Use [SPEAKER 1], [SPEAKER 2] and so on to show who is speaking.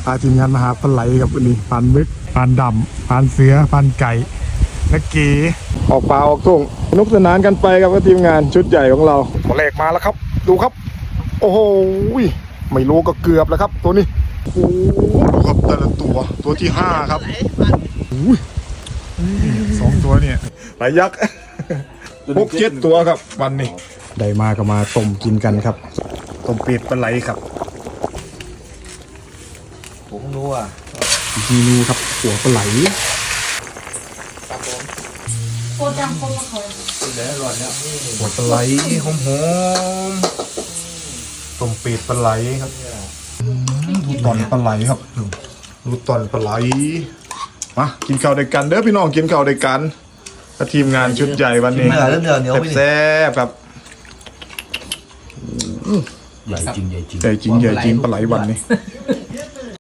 [SPEAKER 1] พาทีมงานมาหาปลาไหลกับอันนี้ปานมึกปานดำปานเสือปานไก่และเก๋ออกป่าออกทุ่งสนุกสนานกันไปกับทีมงานชุดใหญ่ของเราตัวแรกมาแล้วครับดูครับโอ้โหไม่รู้ก็เกือบแล้วครับตัวนี้โอ้โหดูครับแต่ละตัวที่5ครับ2 ตัวเนี่ยหลายยักษ์6-7 ตัวครับวันนี้ได้มาก็มาต้มกินกันครับต้มเป็ดปลาไหลครับ
[SPEAKER 2] ผมรู้อ่ะ
[SPEAKER 1] จีนูครับหัวปลาไหล
[SPEAKER 3] โคตรดังโคตรมาเขา
[SPEAKER 2] เหลือร่อยแล้ว
[SPEAKER 1] หัวปลาไหลหอมๆต้มเป็ดปลาไหลครับดูตอนปลาไหลครับดูตอนปลาไหลมากินข้าวด้วยกันเด้อพี่น้องกินข้าวด้วยกันกับทีมงานชุดใหญ่วันนี้แซ่บๆครับ
[SPEAKER 2] ใหญ่จริง
[SPEAKER 1] ปลาไหลวันนี้